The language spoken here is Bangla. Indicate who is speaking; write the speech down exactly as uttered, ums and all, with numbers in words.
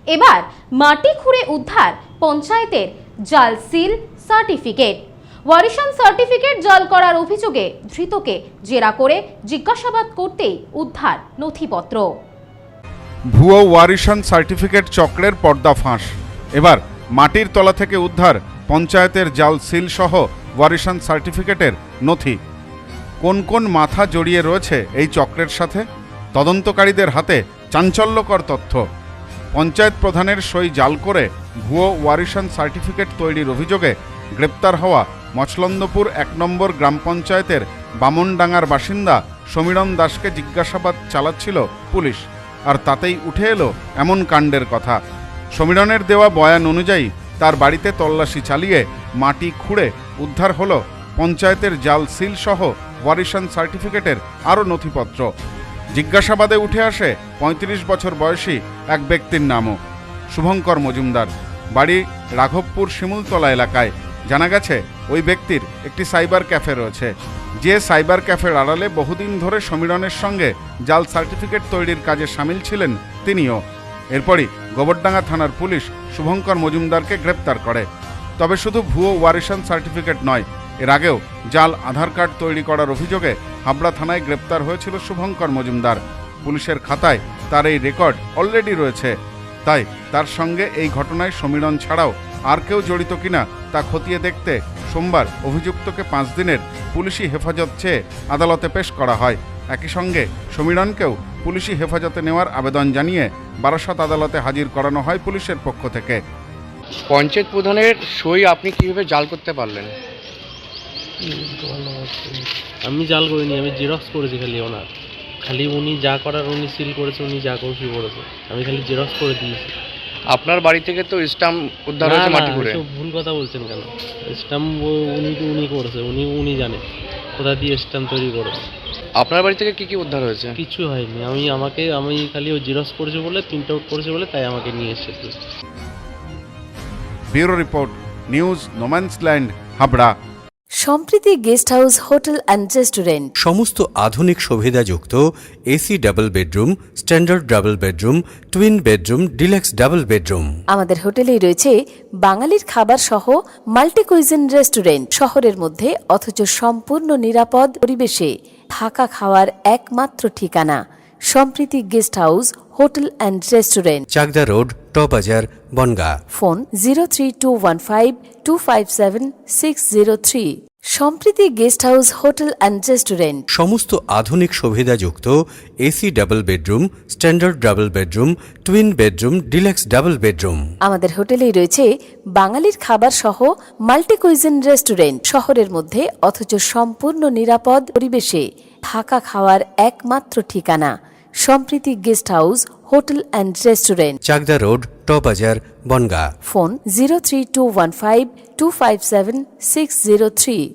Speaker 1: এবার মাটি খুঁড়ে উদ্ধার পঞ্চায়েতের জাল সিল সার্টিফিকেট। ওয়ারিশান সার্টিফিকেট জাল করার অভিযোগে ধৃতকে জেরা করে জিজ্ঞাসাবাদ করতেই উদ্ধার নথিপত্র।
Speaker 2: ভুয়ো ওয়ারিশান সার্টিফিকেট চক্রের পর্দাফাঁস। এবার মাটির তলা থেকে উদ্ধার পঞ্চায়েতের জাল সিল সহ ওয়ারিশান সার্টিফিকেটের নথি। কোন কোন মাথা জড়িয়ে রয়েছে এই চক্রের সাথে? তদন্তকারীদের হাতে চাঞ্চল্যকর তথ্য। পঞ্চায়েত প্রধানের সই জাল করে ভুয়ো ওয়ারিশান সার্টিফিকেট তৈরির অভিযোগে গ্রেপ্তার হওয়া মছলন্দপুর এক নম্বর গ্রাম পঞ্চায়েতের বামনডাঙ্গার বাসিন্দা সমীরণ দাসকে জিজ্ঞাসাবাদ চালাচ্ছিল পুলিশ। আর তাতেই উঠে এলো এমন কাণ্ডের কথা। সমীরণের দেওয়া বয়ান অনুযায়ী তার বাড়িতে তল্লাশি চালিয়ে মাটি খুঁড়ে উদ্ধার হলো পঞ্চায়েতের জাল সিল সহ ওয়ারিশান সার্টিফিকেটের আরও নথিপত্র। জিজ্ঞাসাবাদে উঠে আসে পঁয়ত্রিশ বছর বয়সী এক ব্যক্তির নামও, শুভঙ্কর মজুমদার। বাড়ি রাঘবপুর শিমুলতলা এলাকায়। জানা গেছে ওই ব্যক্তির একটি সাইবার ক্যাফে রয়েছে, যে সাইবার ক্যাফের আড়ালে বহুদিন ধরে সমীরণের সঙ্গে জাল সার্টিফিকেট তৈরির কাজে সামিল ছিলেন তিনিও। এরপরই গোবরডাঙ্গা থানার পুলিশ শুভঙ্কর মজুমদারকে গ্রেপ্তার করে। তবে শুধু ভুয়ো ওয়ারিশান সার্টিফিকেট নয়, এর আগেও জাল আধার কার্ড তৈরি করার অভিযোগে হাবড়া থানায় গ্রেপ্তার হয়েছিল শুভঙ্কর মজুমদার। পুলিশের খাতায় তার এই রেকর্ড অলরেডি রয়েছে। তাই তার সঙ্গে এই ঘটনায় সমীরণ ছাড়াও আর কেউ জড়িত কিনা তা খতিয়ে দেখতে সোমবার অভিযুক্তকে পাঁচ দিনের পুলিশি হেফাজত চেয়ে আদালতে পেশ করা হয়। একই সঙ্গে সমীরণকেও পুলিশি হেফাজতে নেওয়ার আবেদন জানিয়ে বারাসত আদালতে হাজির করানো হয় পুলিশের পক্ষ থেকে।
Speaker 3: পঞ্চায়েত প্রধানের সই আপনি কিভাবে জাল করতে পারলেন?
Speaker 4: আমি জাল করিনি, আমি জেরক্স করেছি খালি ওনার। খালি উনি যা করার উনি সিল করেছে, উনি যা করছি করেছে, আমি খালি জেরক্স করে দিয়েছি।
Speaker 3: আপনার বাড়ি থেকে তো স্টাম্প উদ্ধার হয়েছে মাটি করে।
Speaker 4: ভুল কথা বলছেন কেন? স্টাম্প উনি তো উনি করেছে, উনি উনি জানে কোথা দিয়ে স্টাম্প তৈরি করেছে।
Speaker 3: আপনার বাড়ি থেকে কি কি উদ্ধার হয়েছে?
Speaker 4: কিছু হয়নি। আমি আমাকে আমি খালি ও জেরক্স করেছে বলে, প্রিন্ট আউট করেছে বলে, তাই আমাকে নিয়ে এসেছে।
Speaker 2: Bureau report, news no man's land, Habra.
Speaker 5: Sampriti guest house hotel and restaurant.
Speaker 6: সমস্ত আধুনিক সুবিধাযুক্ত AC double bedroom, standard double bedroom, twin bedroom, deluxe double bedroom.
Speaker 5: আমাদের হোটেলেই রয়েছে বাঙালির খাবার সহ মাল্টি কুইজিন রেস্টুরেন্ট। শহরের মধ্যে অথচ সম্পূর্ণ নিরাপদ পরিবেশে থাকা খাওয়ার একমাত্র ঠিকানা Sampriti guest house hotel and restaurant,
Speaker 6: Chakdah road, টবাজার, Bongaon.
Speaker 5: Phone zero three two one five two five seven six zero three. Sampriti guest house hotel and restaurant.
Speaker 6: সমস্ত আধুনিক সুবিধাযুক্ত AC double bedroom, standard double bedroom, twin bedroom, deluxe double bedroom.
Speaker 5: আমাদের হোটেলেই রয়েছে বাঙালির খাবার সহ মাল্টি কুইজিন রেস্টুরেন্ট। শহরের মধ্যে অথচ সম্পূর্ণ নিরাপদ পরিবেশে থাকা খাওয়ার একমাত্র ঠিকানা Sampriti guest house hotel and restaurant,
Speaker 6: Chakdah road, টবাজার, Bongaon.
Speaker 5: Phone zero three two one five two five seven six zero three.